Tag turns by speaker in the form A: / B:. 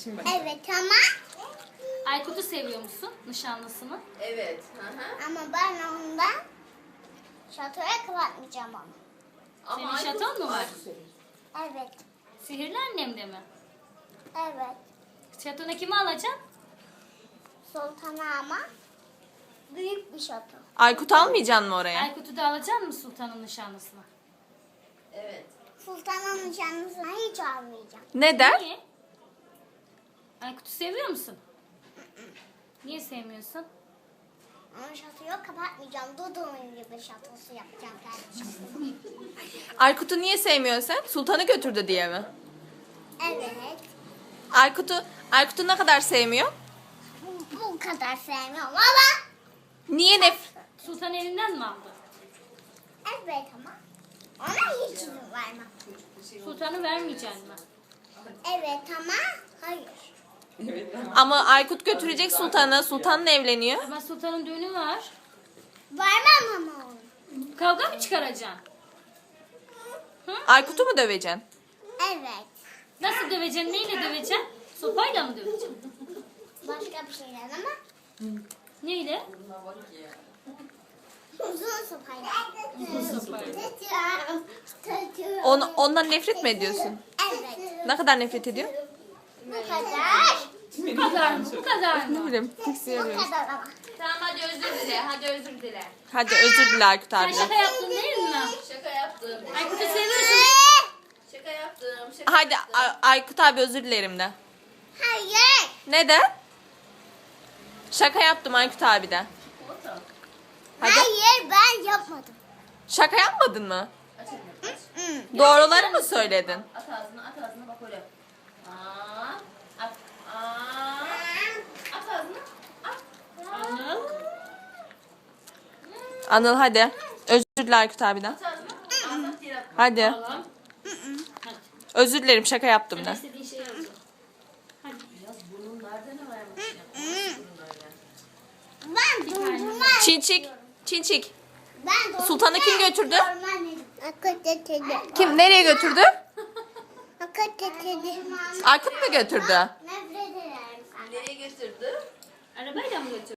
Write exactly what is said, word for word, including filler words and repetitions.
A: Şimdi bak.
B: Evet ama
C: Aykut'u seviyor musun? Nişanlısını.
A: Evet. Hı hı.
B: ama ben ondan şatoya kapatmayacağım onu.
C: Senin
A: Aykut-
C: şaton mu var?
A: Aykut seviyor.
B: Evet.
C: Sihirli annemde mi?
B: Evet.
C: Şatona kimi alacaksın?
B: Sultana ama büyük bir şato.
D: Aykut almayacaksın mı oraya?
C: Aykut'u da alacaksın mı sultanın nişanlısına?
A: Evet.
B: Sultanın nişanlısına hiç almayacağım.
D: Neden?
C: Niye? Aykut'u seviyor musun? Niye sevmiyorsun?
B: Ama şatoyu kapatmayacağım. Dudu'nun gibi şatosu yapacağım kardeşim.
D: Aykut'u niye sevmiyorsun sen? Sultanı götürdü diye mi?
B: Evet.
D: Aykut'u Aykut'u ne kadar sevmiyor?
B: Bu, bu kadar sevmiyorum ama
D: Niye nef
C: Sultan elinden mi aldı?
B: evet ama ona hiç izin vermem.
C: Sultanı vermeyeceksin mi?
B: Evet ama hayır.
A: Evet. Tamam.
D: Ama Aykut götürecek sultanı. Sultanla evleniyor.
C: Ama sultanın düğünü var.
B: Vermem ama onu.
C: Kavga mı çıkaracaksın?
D: Aykut'u mu döveceksin?
B: Evet.
C: Nasıl döveceksin? Neyle döveceksin? Sopayla mı döveceksin?
B: Başka bir şeyler ama
C: Neyle?
A: Buna bak ya.
B: uzun sopayla.
C: Uzun sopayla.
D: On, ondan nefret mi ediyorsun?
B: Evet.
D: Ne kadar nefret ediyor?
B: Bu kadar.
C: Bu kadar mı? Bu kadar
D: Ne
C: mı?
D: bileyim.
B: Bu kadar ama.
A: Tamam hadi özür dile. Hadi özür dile.
D: Hadi özür dile Aykut
C: Sen
D: abi.
C: şaka yaptın değil mi?
A: Şaka yaptım.
C: Aykut'u seviyorsun.
A: Şaka yaptım. Şaka
D: Hadi
A: yaptım.
D: A- Aykut abi özür dilerim de.
B: Hayır.
D: Neden? Şaka yaptım Aykut abi de.
A: Foto.
D: Hadi.
B: Hayır ben yapmadım.
D: Şaka yapmadın mı?
A: Aç elini, aç.
D: Doğruları mı söyledin?
A: At ağzına, at ağzına bak öyle. Aa, at. Aa. At ağzına. At.
C: Anıl.
D: Anıl hadi. Özür dile Aykut abiden.
A: At ağzına. Ağzına değil atma.
D: Hadi.
C: Tamam.
D: Özür dilerim şaka yaptım
C: Sen
D: de.
C: istediğin şeyi alacaksın. Hadi.
A: Biraz burnun nerede ne varmış ya? Burnun nerede?
B: Ben dondurma.
D: Çinçik. Çinçik.
B: Ben dondurma.
D: Sultanı kim götürdü?
B: Akıl getirdi.
D: Kim nereye götürdü?
B: Akıl getirdi.
D: Aykut mu götürdü?
B: Nefret ederim senden.
A: Nereye götürdü?
C: Arabayla mı götür?